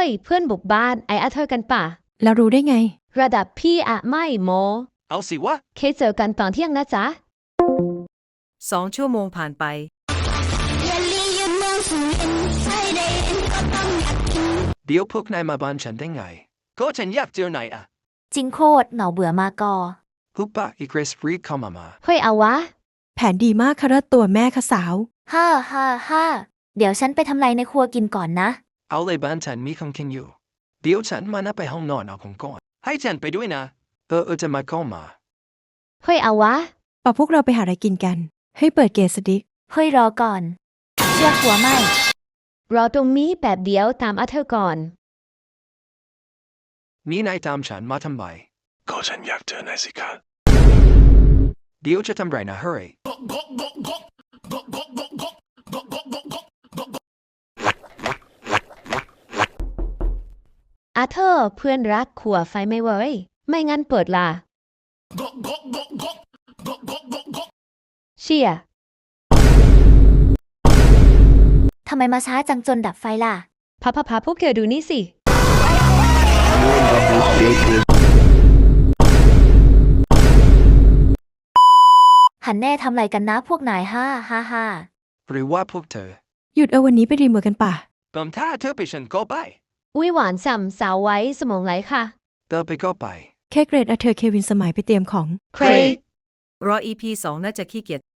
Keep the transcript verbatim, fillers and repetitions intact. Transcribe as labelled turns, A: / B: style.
A: ยเพื่อนบุกบ้านไอ้อาเธอกันป่ะ
B: แล้วรู้ได้ไง
A: ระดับพี่อะไม่โม
C: เอาสิวะ
A: เคเจอกันตอนเที่ยงนะจ๊ะ
D: สองชั่วโมงผ่านไป
C: เดี๋ยวพวกนายมาบ้านฉันได้ไงก็ฉันอยากเจอนายอะ
E: จริงโคตรเหนาเบื่อมากอ
C: ฮุบปะอีเกรสรีเข้ามามา
A: เฮ้ยเอาวะ
B: แผนดีมากค่ะตัวแม่ค่ะสาว
E: ฮ่าฮ่าฮ่าเดี๋ยวฉันไปทำไรในครัวกินก่อนนะ
C: เอาเลยบ้านฉันมีของกินอยู่เดี๋ยวฉันมานะไปห้องนอนเอาของก่อนให้ฉันไปด้วยนะเออเออจะมาเข้ามา
A: เฮ้ยเอาวะ
B: ป่ะพวกเราไปหาอะไรกินกันให้เปิดเกสดิก
E: เฮ้ยรอก่อนเชื่อหัวไม่
A: รอตรงนี้แบบเดียวตามอาเธอก่อน
C: นี่นายตามฉันมาทำไม
F: ก็ฉันอยากเจอนายสิคะ
C: เดี๋ยวจะทำไรนะเฮ้ย
A: อาเธอเพื่อนรักขัวไฟไม่เว้ยไม่งั้นเปิดล่ะเชี่ย
E: ทำไมมาช้าจังจนดับไฟล่ะ
A: พาพาพาพวกเธอดูนี่สิ
E: หันแน่ทำไรกันนะพวกนายฮ่าฮ่าฮ่า
C: หรือว่าพวกเธอ
B: หยุดเอาวันนี้ไปรีเมือกันป่ะ
C: เติมถ้าเธอไปฉันก็ไป
A: อุ้ยหวานส่ำสาวไว้สมองไหลค่ะ
C: เติมไปก็ไป
B: แค่เกรดอาเธอเควินสมัยไปเตรียมของ
A: เคร
D: รอ อี พี สองน่าจะขี้เกียจ